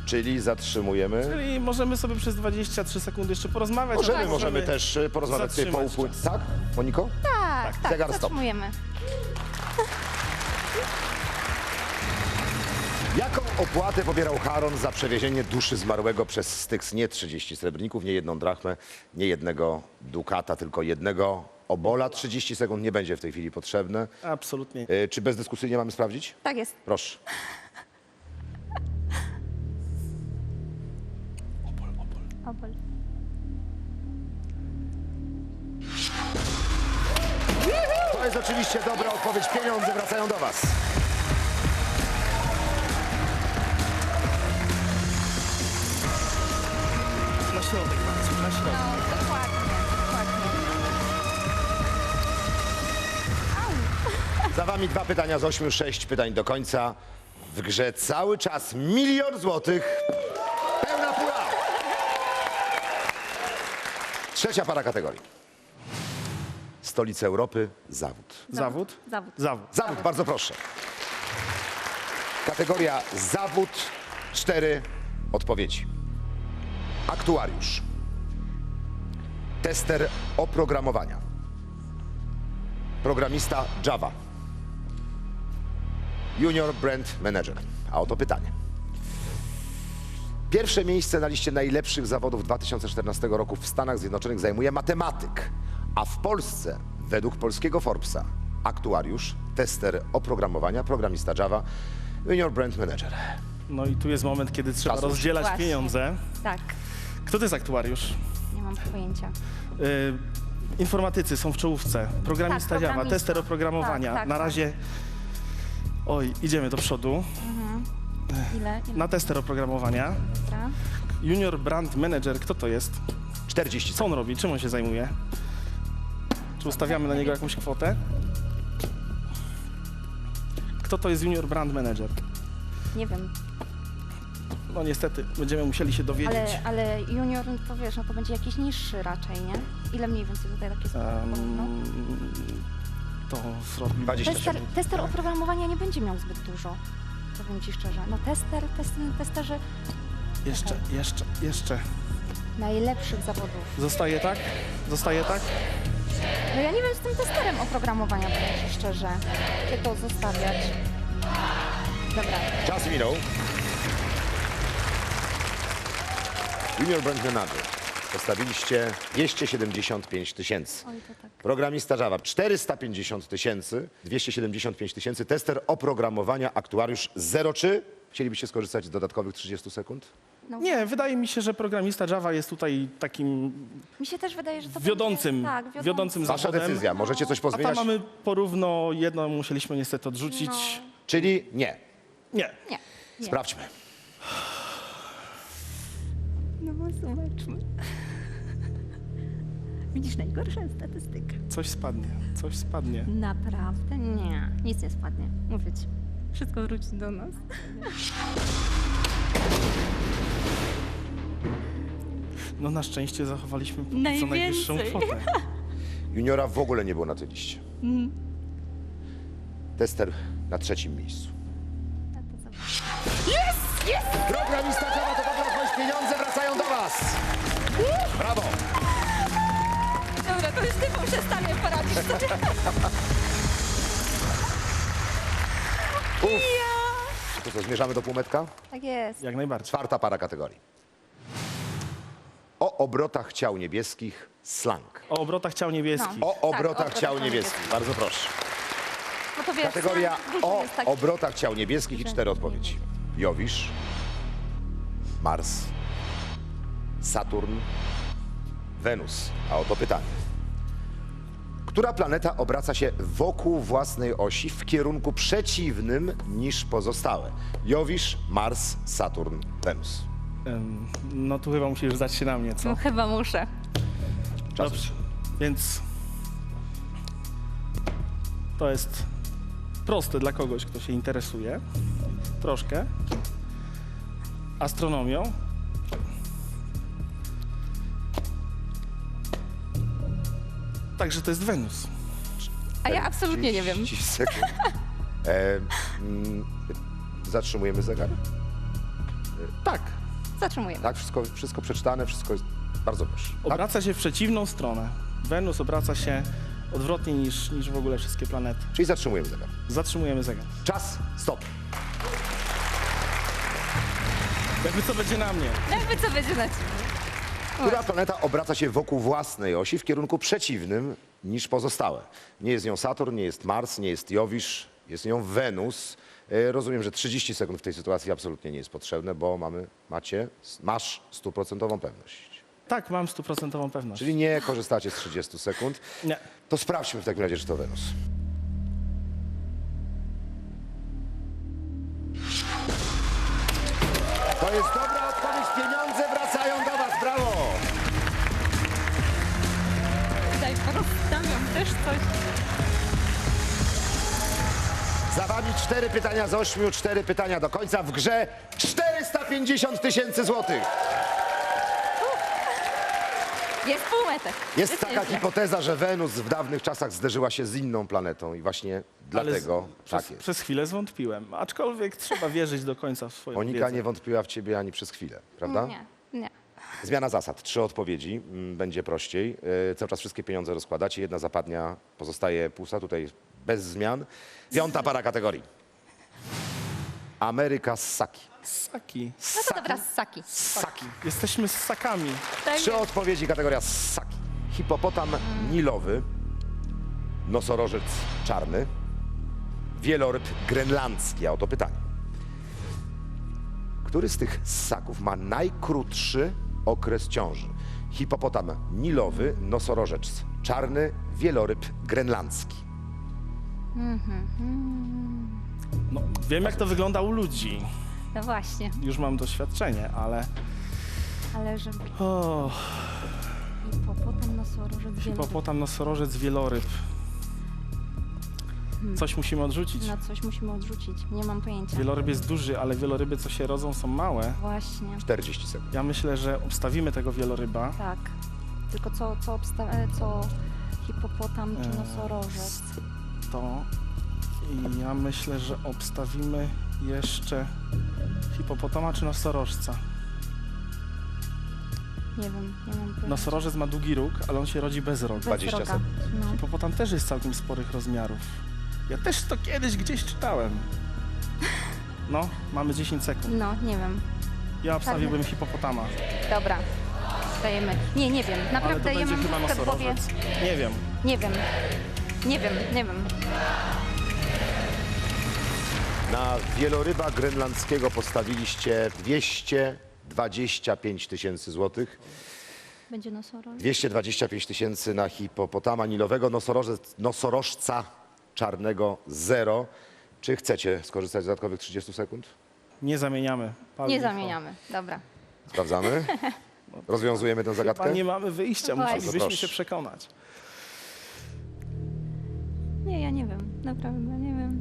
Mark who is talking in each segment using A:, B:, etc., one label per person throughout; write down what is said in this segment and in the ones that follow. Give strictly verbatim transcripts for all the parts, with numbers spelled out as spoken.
A: Czyli zatrzymujemy.
B: Czyli możemy sobie przez dwadzieścia trzy sekundy jeszcze porozmawiać.
A: Możemy,
B: a tak
A: możemy też e, porozmawiać sobie po
B: zatrzymać
A: upływie.
B: czas.
A: Tak, Moniko?
C: Tak, tak,
A: zegar stop.
C: zatrzymujemy.
A: Jaką opłatę pobierał Charon za przewiezienie duszy zmarłego przez Styx? Nie trzydzieści srebrników, nie jedną drachmę, nie jednego dukata, tylko jednego obola. trzydzieści sekund nie będzie w tej chwili potrzebne.
B: Absolutnie.
A: E, Czy bezdyskusyjnie mamy sprawdzić?
C: Tak jest.
A: Proszę.
C: Opol.
A: To jest oczywiście dobra odpowiedź. Pieniądze wracają do was.
B: Na środek bardzo, na środek.
C: No, dokładnie, dokładnie.
A: Za wami dwa pytania z ośmiu, sześć pytań do końca. W grze cały czas milion złotych. Pełna pula. Trzecia para kategorii. Stolica Europy, zawód.
B: Zawód?
C: Zawód.
B: Zawód.
A: Zawód, bardzo proszę. Kategoria zawód, cztery odpowiedzi. Aktuariusz. Tester oprogramowania. Programista Java. Junior Brand Manager. A oto pytanie. Pierwsze miejsce na liście najlepszych zawodów dwa tysiące czternastego roku w Stanach Zjednoczonych zajmuje matematyk, a w Polsce według polskiego Forbesa aktuariusz, tester oprogramowania, programista Java, Junior Brand Manager.
B: No i tu jest moment, kiedy trzeba
A: Czasu.
B: rozdzielać
C: Właśnie.
B: pieniądze.
C: Tak,
B: Kto to jest aktuariusz?
C: nie mam pojęcia.
B: Y, informatycy są w czołówce. Programista
C: Tak,
B: Java,
C: programista.
B: tester oprogramowania.
C: Tak, tak,
B: Na
C: tak.
B: razie... Oj, idziemy do przodu.
C: Ile? Ile?
B: Na tester oprogramowania.
C: Dobra.
B: Junior Brand Manager, kto to jest?
A: czterdzieści
B: Co on robi? Czym on się zajmuje? Czy ustawiamy na niego jakąś kwotę? Kto to jest Junior Brand Manager?
C: Nie wiem,
B: No niestety, będziemy musieli się dowiedzieć.
C: ale, ale junior, no to wiesz, no to będzie jakiś niższy raczej, nie? Ile mniej więcej tutaj takie sprawy? No.
B: Um, to zrobi...
A: dwadzieścia
C: Tester,
A: sekund.
C: tester oprogramowania nie będzie miał zbyt dużo, powiem ci szczerze. No tester, tester, testerzy
B: Jeszcze, jeszcze, jeszcze.
C: najlepszych zawodów.
B: Zostaje tak? Zostaje tak?
C: No ja nie wiem z tym testerem oprogramowania, powiem ci szczerze, gdzie to zostawiać. Dobra,
A: Czas minął. Junior Brand Manager. Postawiliście dwieście siedemdziesiąt pięć tysięcy.
C: oj to tak.
A: Programista Java czterysta pięćdziesiąt tysięcy, dwieście siedemdziesiąt pięć tysięcy, tester oprogramowania, aktuariusz zero trzy. Chcielibyście skorzystać z dodatkowych trzydziestu sekund?
C: No,
B: Nie, wydaje mi się, że programista Java jest tutaj takim
C: mi się też wydaje, że to
B: wiodącym,
C: będzie, tak, wiodącym.
B: wiodącym
A: Wasza
B: zawodem.
A: decyzja, możecie coś
B: A tam
A: pozmieniać?
B: mamy porówno jedno, musieliśmy niestety odrzucić.
C: No.
A: Czyli nie.
B: Nie.
C: Nie, nie.
A: Sprawdźmy.
C: No bo zobaczmy. Widzisz, najgorsza statystyka.
B: Coś spadnie, coś spadnie.
C: Naprawdę? Nie, nic nie spadnie. Mówię ci. Wszystko wróci do nas.
B: No na szczęście zachowaliśmy póki co
C: Najwięcej.
B: najwyższą kwotę.
A: Juniora w ogóle nie było na tej liście.
C: Mhm.
A: Tester na trzecim miejscu.
C: A to zobacz.
A: Programista Java to dobra odpowiedź, pieniądze wracają do was. Brawo.
C: Dobra, to już ty muszę stanie poradzić sobie.
A: Uf. To co, zmierzamy do półmetka?
C: Tak jest.
B: Jak najbardziej.
A: Czwarta para kategorii. O obrotach ciał niebieskich, slang.
B: O obrotach ciał niebieskich.
C: No.
A: O
C: Tak,
A: obrotach
C: obrotach
A: ciał
C: ciał
A: niebieskich.
C: niebieskich.
A: Bardzo proszę.
C: No to wiesz,
A: Kategoria
C: dużo
A: o
C: jest takich.
A: obrotach ciał niebieskich i cztery odpowiedzi. Jowisz, Mars, Saturn, Wenus. A oto pytanie. Która planeta obraca się wokół własnej osi w kierunku przeciwnym niż pozostałe? Jowisz, Mars, Saturn, Wenus.
B: Em, No tu chyba musisz zdać się na mnie, co?
C: No chyba muszę.
A: Czas.
B: Dobrze, więc to jest proste dla kogoś, kto się interesuje troszkę astronomią. Także to jest Wenus.
C: A ja absolutnie nie wiem.
A: trzydzieści sekund. E, mm, zatrzymujemy zegar.
B: Tak.
C: Zatrzymujemy.
A: Tak, wszystko, wszystko przeczytane, wszystko jest bardzo proszę. Tak?
B: Obraca się w przeciwną stronę. Wenus obraca się odwrotnie niż, niż w ogóle wszystkie planety.
A: Czyli zatrzymujemy zegar.
B: Zatrzymujemy zegar.
A: Czas, stop.
B: Jakby co będzie na mnie.
C: Jakby co będzie na ciebie.
A: Która planeta obraca się wokół własnej osi w kierunku przeciwnym niż pozostałe? Nie jest nią Saturn, nie jest Mars, nie jest Jowisz, jest nią Wenus. E, Rozumiem, że trzydzieści sekund w tej sytuacji absolutnie nie jest potrzebne, bo mamy, macie, masz stuprocentową pewność.
B: Tak, mam stuprocentową pewność.
A: Czyli nie korzystacie z trzydziestu sekund.
B: Nie.
A: To sprawdźmy w takim razie, czy to Wenus. To jest dobra odpowiedź, pieniądze wracają do was, brawo!
C: Daj, porozstawiam też coś.
A: Za wami cztery pytania z ośmiu, cztery pytania do końca. W grze czterysta pięćdziesiąt tysięcy złotych.
C: Jest półmetek.
A: Jest taka
C: nieźle.
A: hipoteza, że Wenus w dawnych czasach zderzyła się z inną planetą i właśnie dlatego
B: Ale z,
A: tak
B: przez,
A: jest.
B: przez chwilę zwątpiłem, aczkolwiek trzeba wierzyć do końca w swoją
A: Monika
B: wiedzę.
A: nie wątpiła w ciebie ani przez chwilę, prawda?
C: Nie, nie.
A: Zmiana zasad. Trzy odpowiedzi, mm, będzie prościej. Yy, cały czas wszystkie pieniądze rozkładacie. Jedna zapadnia, pozostaje pusta, tutaj bez zmian. Piąta para kategorii. Ameryka Ssaki.
B: Ssaki.
C: No to dobra, ssaki.
A: Ssaki.
B: Jesteśmy ssakami.
C: Tak
A: Trzy
C: jest.
A: odpowiedzi, kategoria ssaki. Hipopotam nilowy, nosorożec czarny, wieloryb grenlandzki. A oto pytanie. Który z tych ssaków ma najkrótszy okres ciąży? Hipopotam nilowy, nosorożec czarny, wieloryb grenlandzki.
B: No, wiem, jak to wygląda u ludzi.
C: No właśnie,
B: Już mam doświadczenie, ale...
C: ale żeby
B: O,
C: hipopotam, nosorożec, wieloryb.
B: hipopotam, nosorożec, wieloryb. Coś musimy odrzucić.
C: Na coś musimy odrzucić. Nie mam pojęcia.
B: Wieloryb jest duży, ale wieloryby, co się rodzą, są małe.
C: Właśnie,
A: czterdzieści sekund.
B: Ja myślę, że obstawimy tego wieloryba.
C: tak. Tylko co, co, obsta- e, co hipopotam czy
B: Eee,
C: nosorożec?
B: To i ja myślę, że obstawimy jeszcze hipopotama czy nosorożca.
C: Nie wiem, nie mam pojęcia.
B: Nosorożec ma długi róg, ale on się rodzi bez rogu.
C: Bez
A: dwadzieścia
C: roga.
A: sekund.
C: No.
B: Hipopotam też jest całkiem sporych rozmiarów. Ja też to kiedyś gdzieś czytałem. No, mamy dziesięć sekund.
C: no, nie wiem.
B: Ja obstawiłbym hipopotama,
C: Dobra, dajemy. Nie, nie wiem.
B: ale to
C: Naprawdę ja
B: będzie
C: mam
B: chyba
C: w głowie.
B: nosorożec. Nie wiem.
C: Nie wiem. Nie wiem, nie wiem.
A: Na wieloryba grenlandzkiego postawiliście dwieście dwadzieścia pięć tysięcy złotych.
C: Będzie nosorożec?
A: dwieście dwadzieścia pięć tysięcy na hipopotama nilowego, nosorożec, nosorożca czarnego zero. Czy chcecie skorzystać z dodatkowych trzydziestu sekund?
B: Nie zamieniamy. Pal
C: Nie
B: licho.
C: zamieniamy. Dobra.
A: Sprawdzamy. Rozwiązujemy tę
B: Chyba
A: zagadkę.
B: nie mamy wyjścia,
C: Właśnie.
B: musielibyśmy
A: Bardzo
B: się
A: proszę.
B: przekonać.
C: Nie, ja nie wiem. Naprawdę, nie wiem.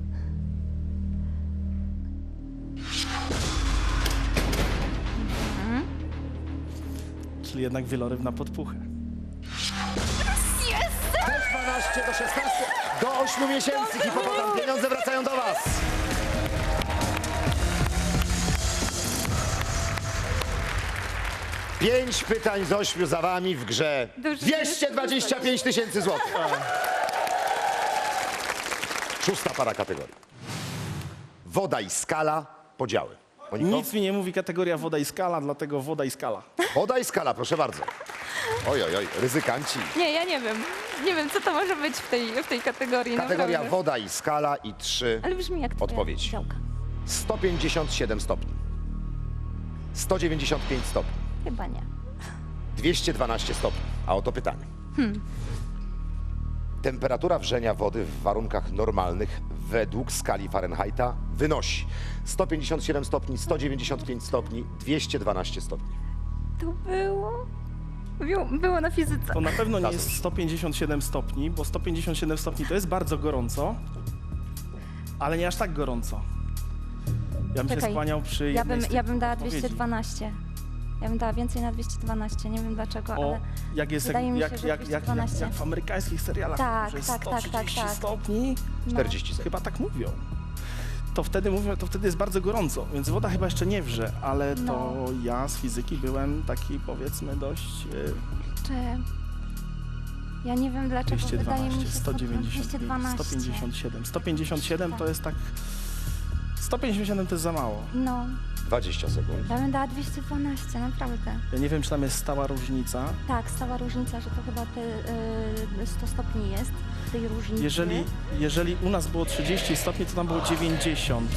B: Czyli jednak wieloryb na podpuchę.
A: Też dwanaście do szesnastu do ośmiu miesięcy hipopotam. Pieniądze wracają do was. Pięć pytań z ośmiu za wami w grze.
C: Dobrze,
A: dwieście dwadzieścia pięć tysięcy złotych. Szósta para kategorii. Woda i skala, podziały. Moniko?
B: Nic mi nie mówi kategoria woda i skala, dlatego woda i skala.
A: Woda i skala, proszę bardzo. Oj, oj, oj, ryzykanci.
C: Nie, ja nie wiem. Nie wiem, co to może być w tej, w tej kategorii.
A: Kategoria
C: naprawdę.
A: woda i skala i trzy.
C: Ale brzmi jak twoja
A: Odpowiedź.
C: działka.
A: sto pięćdziesiąt siedem stopni. sto dziewięćdziesiąt pięć stopni.
C: Chyba nie.
A: dwieście dwanaście stopni. A oto pytanie. Temperatura wrzenia wody w warunkach normalnych według skali Fahrenheita wynosi sto pięćdziesiąt siedem stopni, sto dziewięćdziesiąt pięć stopni, dwieście dwanaście stopni.
C: To było... Było, było na fizyce.
B: To na pewno nie
A: Zgadza
B: jest
A: się.
B: sto pięćdziesiąt siedem stopni, bo sto pięćdziesiąt siedem stopni to jest bardzo gorąco, ale nie aż tak gorąco. Ja bym się
C: Czekaj,
B: skłaniał przy
C: Ja
B: jednej
C: bym,
B: z tych
C: ja bym dała
B: odpowiedzi.
C: dwieście dwanaście. Ja bym dała więcej na dwieście dwanaście. Nie wiem dlaczego,
B: O,
C: ale...
B: jak jest
C: wydaje
B: jak,
C: mi się,
B: jak,
C: że
B: jak, jak, jak,
C: dwieście dwanaście.
B: jak w amerykańskich serialach,
C: Tak,
B: że jest
C: tak, tak,
B: sto
C: tak,
B: trzydzieści
C: tak.
B: stopni,
C: No.
A: czterdzieści sekund.
B: chyba tak mówią. to wtedy mówię, to wtedy jest bardzo gorąco, więc woda chyba jeszcze nie wrze, ale to
C: No.
B: ja z fizyki byłem taki, powiedzmy, dość y,
C: Czy... Ja nie wiem dlaczego,
B: dwieście
C: wydaje mi
B: dwanaście,
C: się
B: sto dziewięćdziesiąt
C: dwieście
B: pięć,
C: dwanaście.
B: sto pięćdziesiąt siedem. sto pięćdziesiąt siedem to
C: Tak.
B: jest tak... sto pięćdziesiąt siedem to jest za mało.
C: No,
A: dwadzieścia sekund.
C: ja bym dała dwieście dwanaście, naprawdę.
B: Ja nie wiem, czy tam jest stała różnica.
C: Tak, stała różnica, że to chyba te y, sto stopni jest w tej różnicy.
B: Jeżeli, jeżeli u nas było trzydzieści stopni, to tam było dziewięćdziesiąt.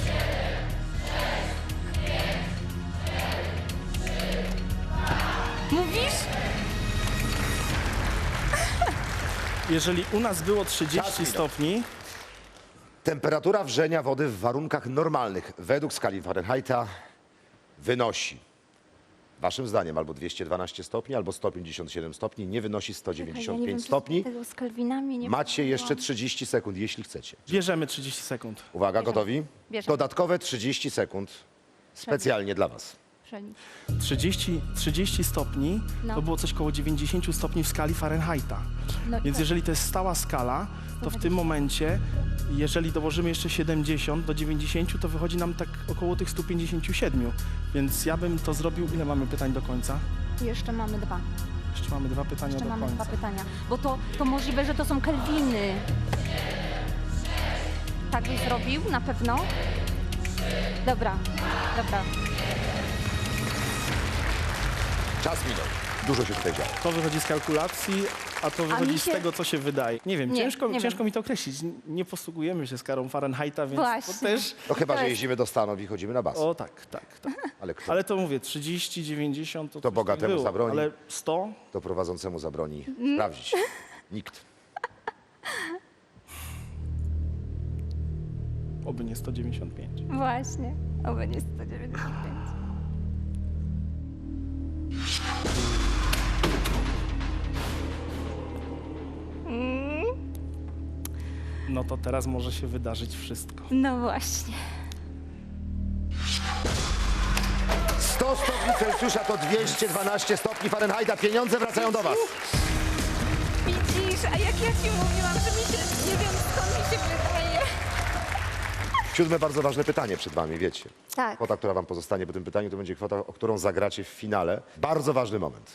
C: Mówisz?
B: Jeżeli u nas było
A: Czas
B: trzydzieści
A: minął.
B: stopni,
A: Temperatura wrzenia wody w warunkach normalnych według skali Fahrenheita wynosi, waszym zdaniem, albo dwieście dwanaście stopni, albo sto pięćdziesiąt siedem stopni, nie wynosi sto dziewięćdziesiąt pięć stopni.
C: Tego z Kelvinami nie
A: Macie jeszcze
C: próbowałam.
A: trzydzieści sekund, jeśli chcecie.
B: bierzemy trzydzieści sekund.
A: Uwaga,
C: Bierzemy.
A: gotowi?
C: Bierzemy.
A: Dodatkowe trzydzieści sekund specjalnie dla was.
C: Przelicz.
B: trzydzieści, trzydzieści stopni
C: No.
B: to było coś koło dziewięćdziesiąt stopni w skali Fahrenheita.
C: No i
B: Więc
C: tak.
B: jeżeli to jest stała skala, to w tym momencie, jeżeli dołożymy jeszcze siedemdziesiąt do dziewięćdziesięciu, to wychodzi nam tak około tych stu pięćdziesięciu siedmiu. Więc ja bym to zrobił. Ile mamy pytań do końca?
C: Jeszcze mamy dwa.
B: Jeszcze mamy dwa pytania
C: Jeszcze
B: do
C: mamy
B: końca.
C: dwa pytania. Bo to, to możliwe, że to są Kelviny. Tak byś zrobił? Na pewno? Dobra, dobra.
A: Czas minął. Dużo się tutaj działo.
B: To wychodzi z kalkulacji, a to wychodzi
C: mi
B: z
C: się-
B: tego, co się wydaje. Nie wiem,
C: Nie,
B: ciężko,
C: nie
B: ciężko
C: wiem.
B: mi to określić. Nie posługujemy się skarą Fahrenheita, więc
C: Właśnie.
B: to też...
A: No chyba,
C: To
A: że
C: jest-
A: jeździmy do Stanów i chodzimy na basen.
B: O tak, tak, tak.
A: Ale kto
B: Ale to mówię, trzydzieści, dziewięćdziesiąt to,
A: To
B: coś
A: bogatemu
B: tak było,
A: zabroni.
B: ale sto?
A: to prowadzącemu zabroni
C: Mm.
A: sprawdzić? Nikt.
B: Oby nie sto dziewięćdziesiąt pięć.
C: Właśnie. Oby nie sto dziewięćdziesiąt pięć.
B: No to teraz może się wydarzyć wszystko.
C: No właśnie.
A: sto stopni Celsjusza to dwieście dwanaście stopni Fahrenheita. Pieniądze wracają do was.
C: Widzisz, a jak ja ci mówiłam, że mi się, nie wiem skąd mi się wydaje.
A: Siódme bardzo ważne pytanie przed wami, wiecie.
C: Tak.
A: Kwota, która wam pozostanie po tym pytaniu, to będzie kwota, o którą zagracie w finale. Bardzo ważny moment.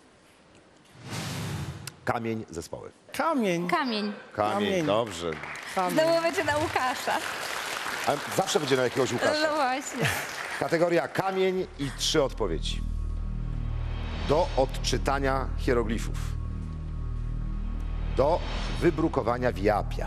A: Kamień zespoły.
B: Kamień!
C: Kamień.
A: Kamień,
B: Kamień.
A: dobrze.
B: Kamień.
C: Znowu będzie na Łukasza.
A: A zawsze będzie na jakiegoś
C: No
A: Łukasza.
C: właśnie.
A: Kategoria kamień i trzy odpowiedzi. Do odczytania hieroglifów. Do wybrukowania wiapia.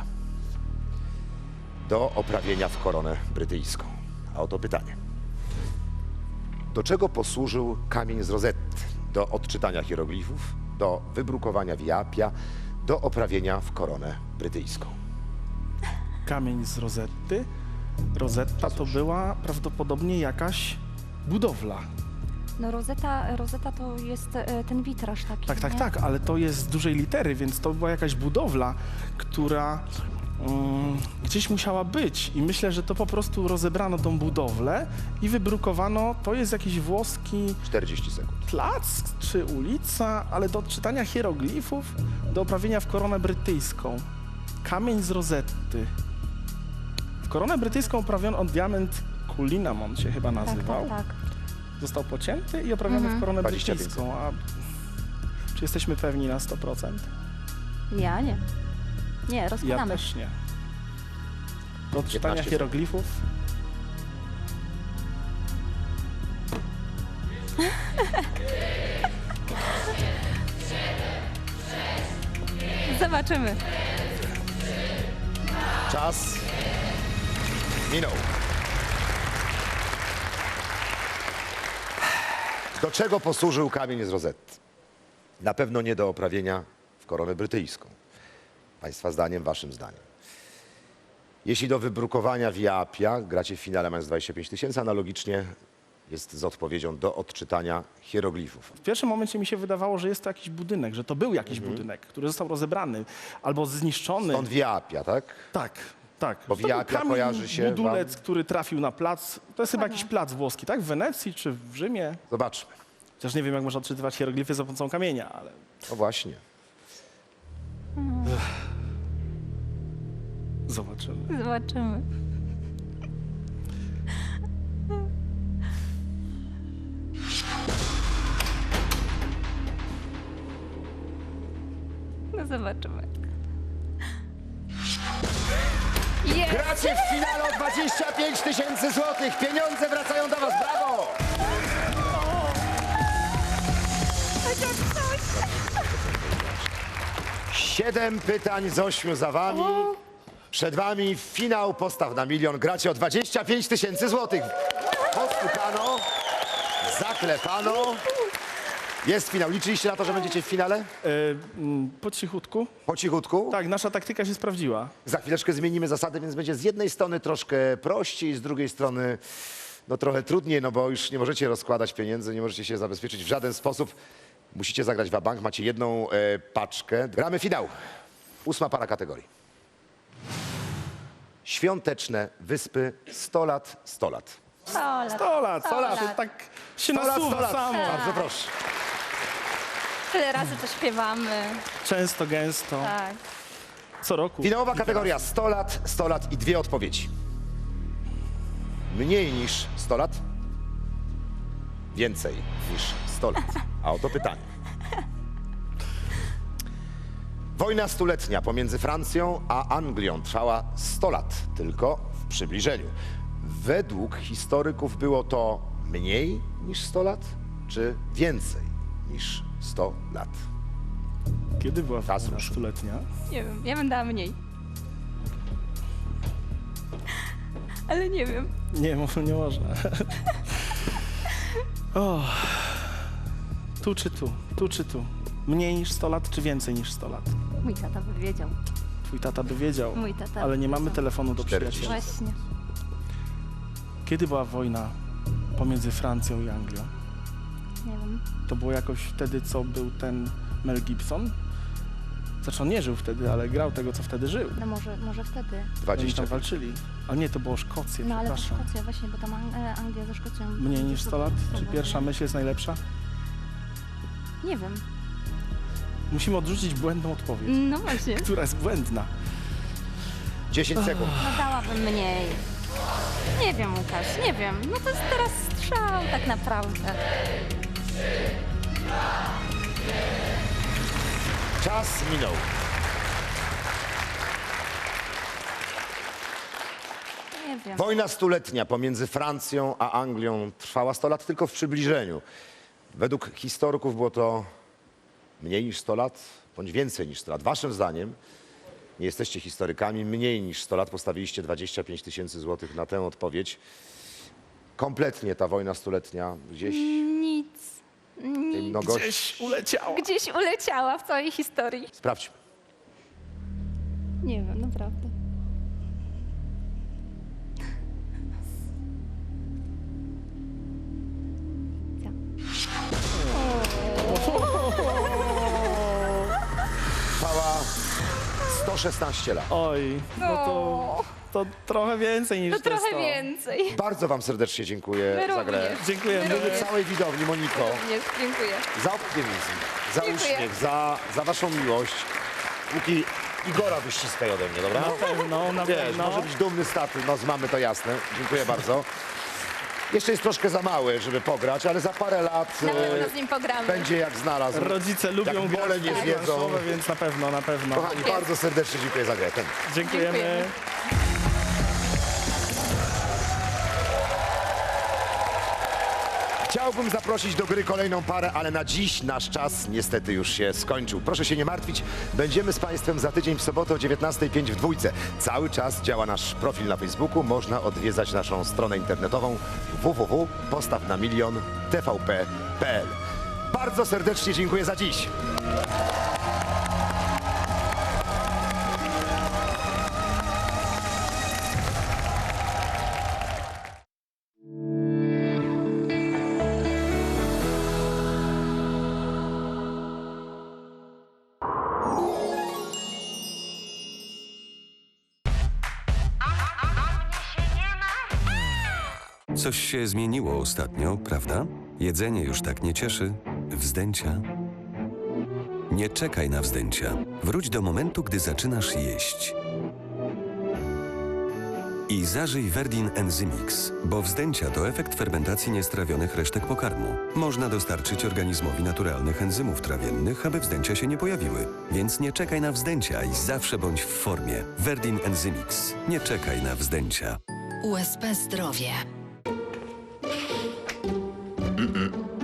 A: Do oprawienia w koronę brytyjską. A oto pytanie. Do czego posłużył kamień z Rozetty? Do odczytania hieroglifów, do wybrukowania wiapia, do oprawienia w koronę brytyjską.
B: Kamień z Rozetty. Rozetta to była prawdopodobnie jakaś budowla.
C: No Rosetta, Rosetta to jest e, ten witraż taki,
B: Tak, tak,
C: nie?
B: tak, ale to jest z dużej litery, więc to była jakaś budowla, która mm, gdzieś musiała być. I myślę, że to po prostu rozebrano tą budowlę i wybrukowano, to jest jakiś włoski
A: czterdzieści sekund.
B: plac czy ulica, ale do odczytania hieroglifów, do oprawienia w koronę brytyjską. Kamień z Rozetty. W koronę brytyjską oprawiono on diament Cullinamon się chyba
C: Tak,
B: nazywał.
C: tak, tak.
B: Został pocięty i oprawiony
C: Mhm.
B: w koronę
A: dwadzieścia pięć
B: brytyjską. A czy jesteśmy pewni na sto procent?
C: Ja nie. Nie,
B: Ja
C: rozkładamy.
B: też nie. Do odczytania
A: piętnaście
B: hieroglifów?
C: Zobaczymy.
A: Czas minął. Do czego posłużył kamień z Rozetty? Na pewno nie do oprawienia w koronę brytyjską. Państwa zdaniem, waszym zdaniem. Jeśli do wybrukowania wiapia, gracie w finale mając dwadzieścia pięć tysięcy, analogicznie jest z odpowiedzią do odczytania hieroglifów.
B: W pierwszym momencie mi się wydawało, że jest to jakiś budynek, że to był jakiś budynek, który został rozebrany albo zniszczony.
A: Stąd wiapia, tak?
B: Tak, tak.
A: Bo
B: To był
A: wiapia
B: kamień,
A: kojarzy się
B: budulec,
A: wam-
B: który trafił na plac. To jest chyba
C: Ładnie.
B: jakiś plac włoski, tak? W Wenecji czy w Rzymie?
A: Zobaczmy.
B: Chociaż nie wiem, jak można odczytywać hieroglify za pomocą kamienia, ale...
A: No właśnie.
B: Zobaczymy.
C: Zobaczymy. No zobaczymy. Jest!
A: Gracie w finale o dwadzieścia pięć tysięcy złotych. Pieniądze wracają do was. Brawo!
C: Chociaż coś.
A: Siedem pytań z ośmiu za wami. Przed wami finał Postaw na milion. Gracie o dwadzieścia pięć tysięcy złotych. Postukano, zaklepano. Jest finał. Liczyliście na to, że będziecie w finale?
B: E, mm, po cichutku.
A: Po cichutku?
B: Tak, nasza taktyka się sprawdziła.
A: Za chwileczkę zmienimy zasady, więc będzie z jednej strony troszkę prościej, z drugiej strony no trochę trudniej, no bo już nie możecie rozkładać pieniędzy, nie możecie się zabezpieczyć w żaden sposób. Musicie zagrać wabank, macie jedną e, paczkę. Gramy finał. Ósma para kategorii. Świąteczne wyspy sto lat, sto lat.
C: sto lat.
B: sto lat,
C: sto lat.
B: To tak się
A: sto lat, sto
B: nasuwa
A: lat.
B: samo.
A: Bardzo proszę.
C: Tyle razy to śpiewamy.
B: Często, gęsto.
C: Tak.
B: Co roku.
A: Finałowa kategoria sto lat, sto lat i dwie odpowiedzi. Mniej niż sto lat, więcej niż sto lat. A oto pytanie. Wojna stuletnia pomiędzy Francją a Anglią trwała sto lat, tylko w przybliżeniu. Według historyków było to mniej niż sto lat, czy więcej niż sto lat?
B: Kiedy była
A: Czas
B: wojna
A: ruszył.
B: stuletnia?
C: Nie wiem, ja bym dała mniej. Ale nie wiem.
B: Nie, może nie można. O. Tu czy tu? Tu czy tu? Mniej niż sto lat, czy więcej niż sto lat?
C: Mój tata by wiedział.
B: Twój tata by wiedział,
C: Mój tata
B: ale
C: by
B: nie mamy
C: wiedział.
B: telefonu do
A: czterdzieści.
B: przyjaciela.
C: Właśnie.
B: Kiedy była wojna pomiędzy Francją i Anglią?
C: Nie wiem.
B: To było jakoś wtedy, co był ten Mel Gibson? Znaczy on nie żył wtedy, ale grał tego, co wtedy żył.
C: No może, może wtedy.
B: Oni
A: dwadzieścia
B: tam walczyli. A nie, to było Szkocję,
C: No ale to
B: przepraszam.
C: Szkocja właśnie, bo tam Ang- e, Anglia ze Szkocją.
B: Mniej niż sto lat? Czy
C: Próbował.
B: pierwsza myśl jest najlepsza?
C: Nie wiem.
B: Musimy odrzucić błędną odpowiedź,
C: No właśnie.
B: która jest błędna.
A: dziesięć sekund.
C: No dałabym mniej. Nie wiem, Łukasz, nie wiem. No to jest teraz strzał tak naprawdę.
A: Czas minął.
C: Nie wiem.
A: Wojna stuletnia pomiędzy Francją a Anglią trwała sto lat, tylko w przybliżeniu. Według historyków było to mniej niż sto lat, bądź więcej niż sto lat. Waszym zdaniem, nie jesteście historykami, mniej niż sto lat, postawiliście dwadzieścia pięć tysięcy złotych na tę odpowiedź. Kompletnie ta wojna stuletnia gdzieś
C: Nic.
A: tej
C: Nic.
A: mnogości.
B: Gdzieś uleciała.
C: Gdzieś uleciała w całej historii.
A: Sprawdźmy.
C: Nie wiem, naprawdę. Ja.
A: Trwała sto szesnaście lat.
B: Oj, no to,
C: O,
B: to trochę więcej niż
C: to
B: te
C: trochę
B: sto.
C: więcej.
A: Bardzo wam serdecznie dziękuję
C: My
A: za grę.
C: również.
B: Dziękujemy.
C: My również.
A: Całej widowni, Moniko.
C: Również, dziękuję.
A: Za optymizm, za
C: Dziękuję.
A: uśmiech, za, za waszą miłość. Łuki, Igora wyściskaj ode mnie, dobra?
B: Na pewno, na
A: Wiesz,
B: pewno.
A: może być dumny z taty, no z mamy to jasne. Dziękuję bardzo. Jeszcze jest troszkę za mały, żeby pograć, ale za parę lat
C: Na
A: e,
C: pewno z nim pogramy.
A: będzie jak znalazł.
B: Rodzice lubią
A: Jak
B: grać
A: bole nie
B: w gry
A: zjedzą.
B: planszowe, więc na pewno, na pewno.
A: Kochani, bardzo serdecznie dziękuję za grę. Ten.
B: Dziękujemy.
C: Dziękujemy.
A: Chciałbym zaprosić do gry kolejną parę, ale na dziś nasz czas niestety już się skończył. Proszę się nie martwić, będziemy z Państwem za tydzień w sobotę o dziewiętnasta pięć w dwójce. Cały czas działa nasz profil na Facebooku, można odwiedzać naszą stronę internetową w w w kropka postaw na milion kropka t v p kropka p l. Bardzo serdecznie dziękuję za dziś.
D: Coś się zmieniło ostatnio, prawda? Jedzenie już tak nie cieszy. Wzdęcia. Nie czekaj na wzdęcia. Wróć do momentu, gdy zaczynasz jeść. I zażyj Verdin Enzymix, bo wzdęcia to efekt fermentacji niestrawionych resztek pokarmu. Można dostarczyć organizmowi naturalnych enzymów trawiennych, aby wzdęcia się nie pojawiły. Więc nie czekaj na wzdęcia i zawsze bądź w formie. Verdin Enzymix. Nie czekaj na wzdęcia.
E: U S P Zdrowie.